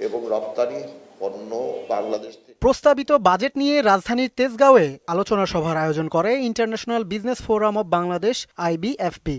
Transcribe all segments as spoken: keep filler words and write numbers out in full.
এবং রপ্তানি পণ্য বাংলাদেশ থেকে। প্রস্তাবিত বাজেট নিয়ে রাজধানীর তেজগাঁওয়ে আলোচনা সভার আয়োজন করে International Business Forum of Bangladesh IBFB.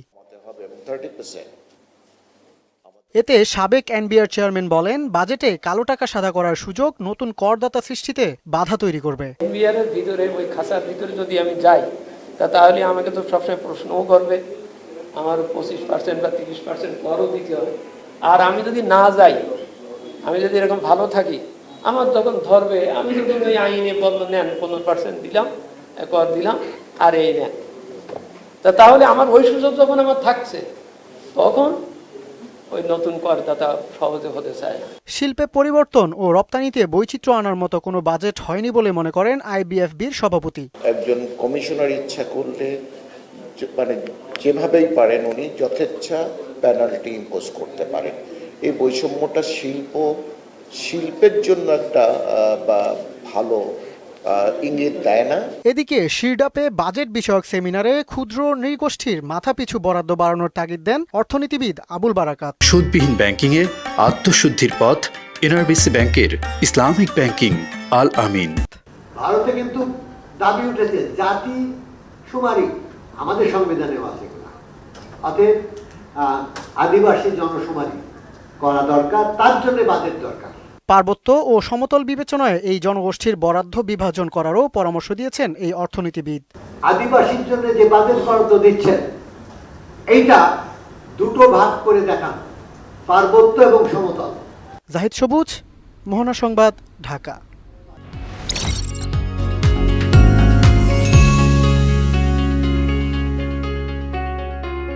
এতে সাবেক এনবিআর চেয়ারম্যান বলেন, বাজেটে কালো টাকা সাদা করার সুযোগ নতুন করদাতা সৃষ্টিতে বাধা তৈরি করবে। এনবিআর এর ভিতরে ওই খাসার ভিতরে যদি আমি যাই তা তাহলে আমাকে তো সবসময় প্রশ্নও করবে, আমার পঁচিশ পার্সেন্ট বা তিরিশ পার্সেন্ট করও দিতে হবে। আর আমি যদি না যাই, আমি যদি এরকম ভালো থাকি, আমার যখন ধরবে আমি যদি ওই আইনে বললো নেন পনেরো পার্সেন্ট দিলাম, কর দিলাম আর এই নেন, তা তাহলে আমার ওই সুযোগ যখন আমার থাকছে তখন ওই নতুন করদাতা সহজে হতে চায় না। শিল্পে পরিবর্তন ও রপ্তানিতে বৈচিত্র্য আনার মতো কোনো বাজেট হয়নি বলে মনে করেন আইবিএফবির সভাপতি। একজন কমিশনার ইচ্ছা করলে মানে যেভাবেই পারেন উনি যথেচ্ছা পেনাল্টি ইম্পোজ করতে পারেন। এই বৈষম্যটা শিল্প শিল্পের জন্য একটা বা ভালো ইঙ্গিত দেয় না। এদিকে শিরডাপে বাজেট বিষয়ক সেমিনারে ক্ষুদ্র নৃগোষ্ঠীর মাথাপিছু বরাদ্দ বাড়ানোর তাগিদ দেন অর্থনীতিবিদ আবুল বারাকাত। সুদবিহীন ব্যাংকিং এর আত্মশুদ্ধির পথ এনআরবিসি ব্যাংকের ইসলামিক ব্যাংকিং আল আমিন। ভারতে কিন্তু দাবি উঠেছে জাতি শুমারি আমাদের সংবিধানেও আছে কিনা, অতএব আদিবাসী জনশুমারি করা দরকার, তার জন্য বাজেট দরকার। পার্বত্য ও সমতল বিবেচনায় এই জনগোষ্ঠীর বরাদ্দ বিভাজন করারও পরামর্শ দিয়েছেন এই অর্থনীতিবিদ। আদিবাসীর জন্য যে বাজেট বরাদ্দ দিচ্ছেন এইটা দুটো ভাগ করে দেখান, পার্বত্য এবং সমতল। জাহিদ সবুজ, মোহনা সংবাদ, ঢাকা।